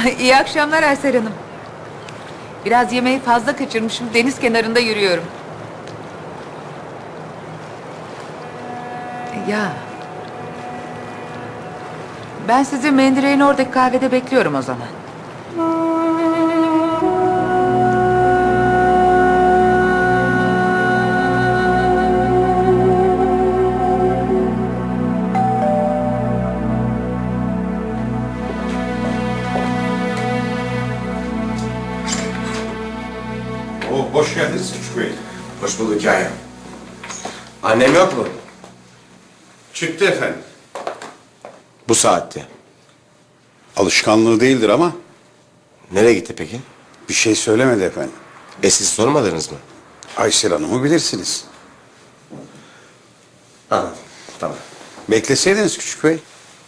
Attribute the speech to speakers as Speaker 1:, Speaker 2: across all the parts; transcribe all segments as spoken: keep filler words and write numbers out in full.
Speaker 1: İyi akşamlar Aysel Hanım. Biraz yemeği fazla kaçırmışım. Deniz kenarında yürüyorum. Ya. Ben sizi Mendireğin oradaki kahvede bekliyorum o zaman.
Speaker 2: Oo, hoş geldiniz Küçük Bey.
Speaker 3: Hoş bulduk Kaya. Annem yok mu?
Speaker 2: Çıktı efendim.
Speaker 3: Bu saatte.
Speaker 4: Alışkanlığı değildir ama
Speaker 3: Nereye gitti peki?
Speaker 4: bir şey söylemedi efendim.
Speaker 3: E siz sormadınız mı?
Speaker 4: Aysel Hanım'ı bilirsiniz.
Speaker 3: Anladım. Tamam.
Speaker 4: Bekleseydiniz Küçük Bey.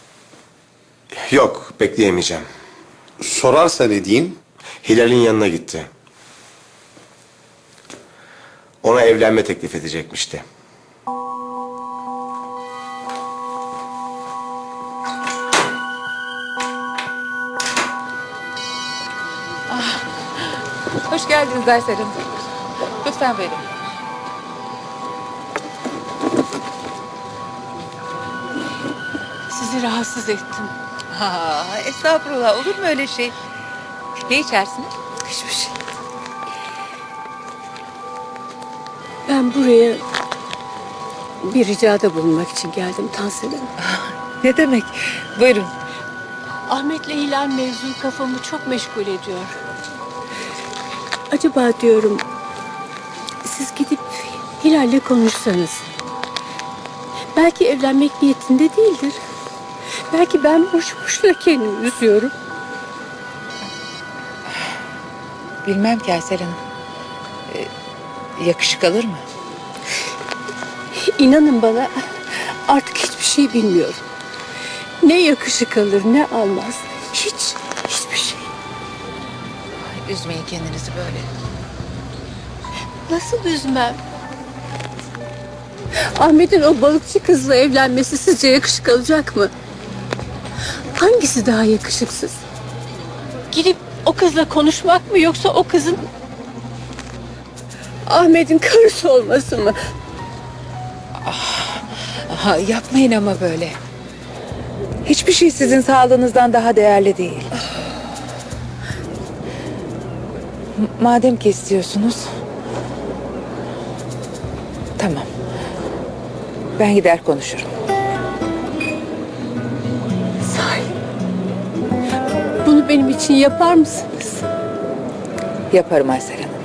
Speaker 3: Yok, bekleyemeyeceğim.
Speaker 4: Sorarsa ne diyeyim?
Speaker 3: Hilal'in yanına gitti. Ona evlenme teklif edecekmişti.
Speaker 1: Hoş geldiniz Aysel Hanım. Lütfen verin.
Speaker 5: Sizi rahatsız ettim.
Speaker 1: Ha, estağfurullah, olur mu öyle şey? Ne içersiniz?
Speaker 5: Hiçbir şey. Ben buraya bir ricada bulunmak için geldim Tansel Hanım.
Speaker 1: Ne demek? Buyurun.
Speaker 5: Ahmet'le Hilal mevzu kafamı çok meşgul ediyor. Acaba diyorum siz gidip Hilal'le konuşsanız. Belki evlenmek niyetinde değildir. Belki ben boş boşuna kendimi üzüyorum.
Speaker 1: Bilmem ki Aysel Hanım. Ee, yakışık alır mı?
Speaker 5: İnanın bana artık hiçbir şey bilmiyorum. Ne yakışık alır ne almaz. Hiç, hiçbir şey.
Speaker 1: Ay, üzmeyin kendinizi böyle.
Speaker 5: Nasıl üzmem? Ahmet'in o balıkçı kızla evlenmesi sizce yakışık alacak mı? Hangisi daha yakışıksız? Gidip o kızla konuşmak mı yoksa o kızın Ahmet'in karısı olması mı?
Speaker 1: Aha, yapmayın ama böyle. Hiçbir şey sizin sağlığınızdan daha değerli değil. M- Madem ki istiyorsunuz. Tamam. Ben gider konuşurum.
Speaker 5: Sahi. Bunu benim için yapar mısınız?
Speaker 1: Yaparım Aysel Hanım.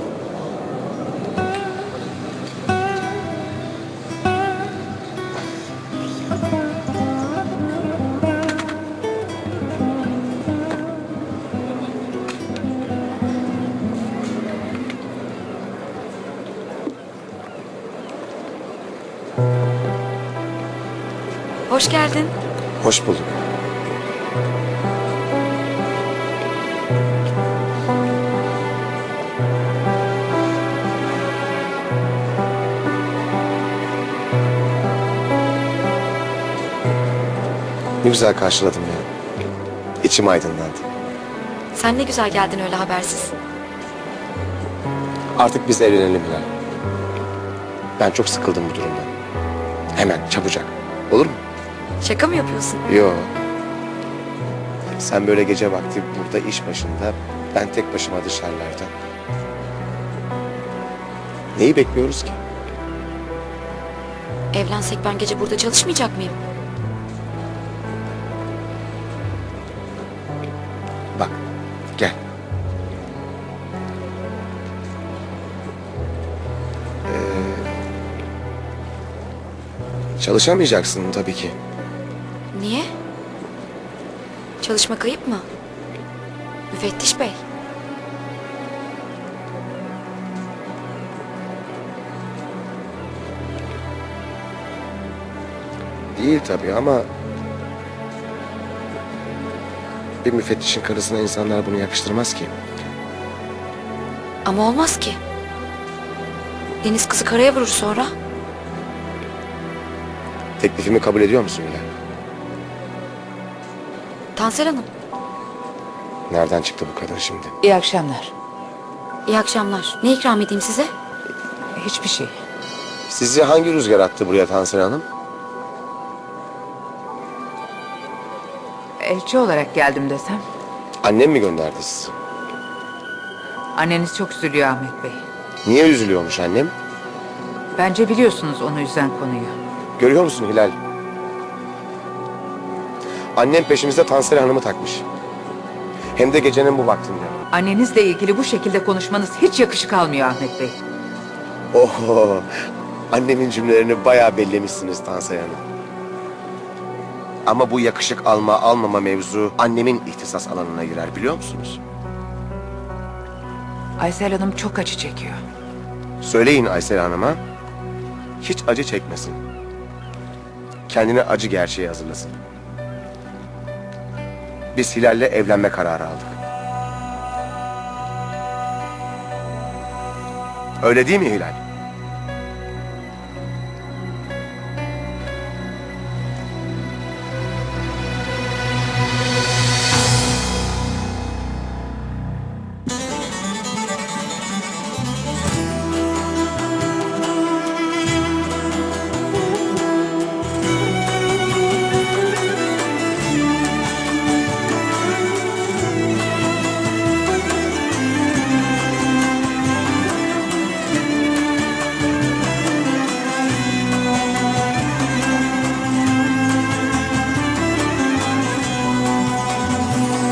Speaker 6: Hoş geldin.
Speaker 3: Hoş bulduk. Ne güzel karşıladım ya. İçim aydınlandı.
Speaker 6: Sen ne güzel geldin öyle habersiz.
Speaker 3: Artık biz evlenelim Hilal. Ben çok sıkıldım bu durumdan. Hemen, çabucak. Olur mu?
Speaker 6: Şaka mı yapıyorsun?
Speaker 3: Yo. Sen böyle gece vakti burada iş başında, ben tek başıma dışarılarda. Neyi bekliyoruz ki?
Speaker 6: Evlensek ben gece burada çalışmayacak mıyım?
Speaker 3: Bak, gel. Ee, çalışamayacaksın tabii ki.
Speaker 6: Niye? Çalışmak ayıp mı? Müfettiş bey.
Speaker 3: Değil tabii ama... bir müfettişin karısına insanlar bunu yakıştırmaz ki.
Speaker 6: Ama olmaz ki. Deniz kızı karaya vurur sonra.
Speaker 3: Teklifimi kabul ediyor musun Hilal?
Speaker 6: Tansel Hanım.
Speaker 3: Nereden çıktı bu kadın şimdi?
Speaker 1: İyi akşamlar.
Speaker 6: İyi akşamlar. Ne ikram edeyim size?
Speaker 1: Hiçbir şey.
Speaker 3: Sizi hangi rüzgar attı buraya Tansel Hanım?
Speaker 1: Elçi olarak geldim desem.
Speaker 3: Annem mi gönderdi sizi?
Speaker 1: Anneniz çok üzülüyor Ahmet Bey.
Speaker 3: Niye üzülüyormuş annem?
Speaker 1: Bence biliyorsunuz onu üzen konuyu.
Speaker 3: Görüyor musun Hilal? Annem peşimize Tansel Hanım'ı takmış. Hem de gecenin bu vaktinde.
Speaker 1: Annenizle ilgili bu şekilde konuşmanız hiç yakışık almıyor Ahmet Bey.
Speaker 3: Oho! Annemin cümlelerini bayağı bellemişsiniz Tansel Hanım. Ama bu yakışık alma almama mevzu annemin ihtisas alanına girer biliyor musunuz?
Speaker 1: Aysel Hanım çok acı çekiyor.
Speaker 3: Söyleyin Aysel Hanım'a hiç acı çekmesin. Kendine acı gerçeği hazırlasın. Biz Hilal'le evlenme kararı aldık. Öyle değil mi Hilal?